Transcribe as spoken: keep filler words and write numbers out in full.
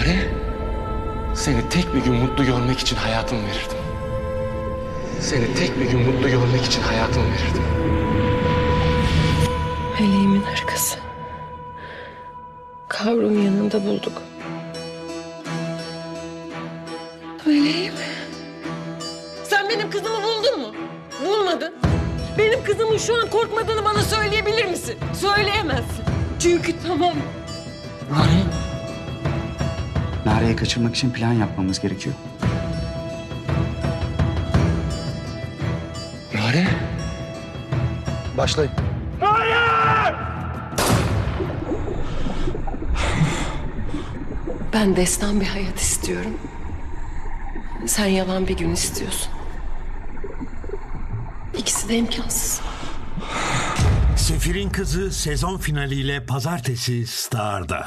Nare, seni tek bir gün mutlu görmek için hayatımı verirdim. Seni tek bir gün mutlu görmek için hayatımı verirdim. Meleğimin arkası. Kavrum yanında bulduk. Meleğim. Sen benim kızımı buldun mu? Bulmadın. Benim kızımın şu an korkmadığını bana söyleyebilir misin? Söyleyemezsin. Çünkü tamam. Nare. Nare'yi kaçırmak için plan yapmamız gerekiyor. Nare. Başlayın. Ben destan bir hayat istiyorum. Sen yalan bir gün istiyorsun. İkisi de imkansız. Sefir'in Kızı sezon finaliyle pazartesi Star'da.